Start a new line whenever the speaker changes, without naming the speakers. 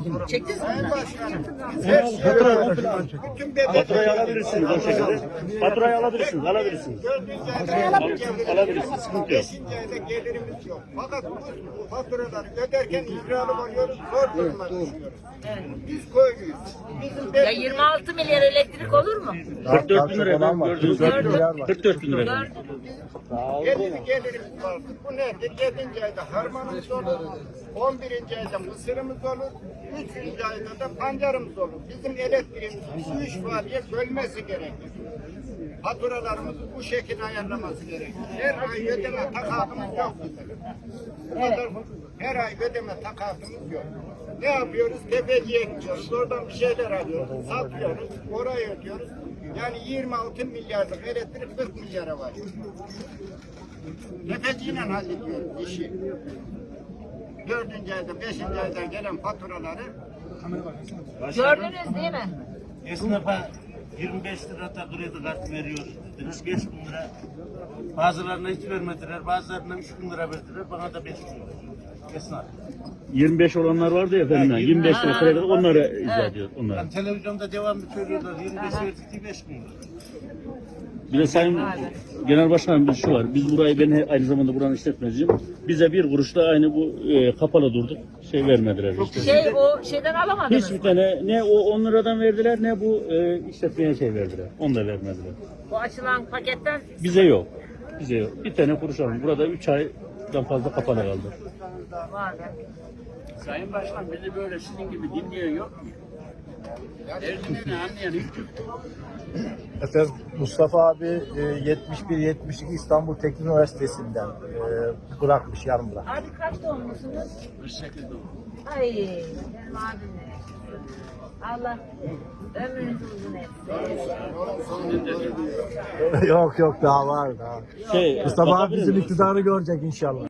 Çektiniz mi?
Faturayı alabilirsiniz o şekilde. Faturayı alabilirsiniz. Alabilirsiniz. Alabilirsiniz. Sıkıntı yok.
5. ayda gelirimiz yok. Fakat bu faturaları öderken icralı oluyoruz, zor durumda düşüyoruz. Biz köylüyüz. Bizim
Ya 26 milyar elektrik olur mu?
44 bin lira efendim gördüğünüz gibi. 44 bin lira efendim.
gelirimiz vardır. Bu nedir? 7. ayda harmanımız olur. 11. ayda mısırımız olur. 3. ayda da pancarımız olur. Bizim elektriğimizin şu 3 faaliyet bölmesi gerekir. Faturalarımızı bu şekilde ayarlaması gerekir. Her ay ödeme takatımız yok bizim. Bu kadar her ay ödeme takatımız yok. Ne yapıyoruz? Tepeciye gidiyoruz. Oradan bir şeyler alıyoruz. Satıyoruz. Orayı ödüyoruz. Yani 26 milyarlık elektrik 40 milyara var. Tepeciyle hallediyoruz işi. 4. ayda, 5. ayda gelen faturaları
Gördünüz değil mi?
Esnafa 25 lira da kredi kartı veriyoruz dediniz. 5 bin lira. Bazılarına hiç vermediler. Bazılarına 3 bin lira verdiler. Bana da 5 bin lira. Esnaf.
25 olanlar vardı ya efendim. 25 lira kredi onları izah ediyor. Onları.
Yani televizyonda devamlı söylüyorlar. 25 verdik diye 5 bin lira.
Bir de Sayın Genel Başkanım bir şu var. Biz burayı ben aynı zamanda buranın işletmeciyim. Bize bir kuruşla aynı bu kapalı durduk. Şey vermediler işte.
O şeyden alamadınız.
Hiçbir tane ne o 10 liradan verdiler ne bu işletmeye şey verdiler. Onu da vermediler.
Bu açılan paketten
Bize yok. Bize yok. Bir tane kuruş aldım. Burada 3 aydan fazla kapalı kaldı.
var.
Sayın Başkan beni böyle sizin gibi dinleyen yok mu? Derdini anlayan hiç yok.
Efendim Mustafa abi 71-72 İstanbul Teknik Üniversitesi'nden bırakmış, yarım bırak.
Abi kaç doğumlusunuz?
48 doğum.
Ay benim abim ne? Allah ömrünüzü uzun etsin.
Yok daha var daha.
Şey,
Mustafa abi
bakabilir
bizim
miyim?
iktidarı görecek inşallah.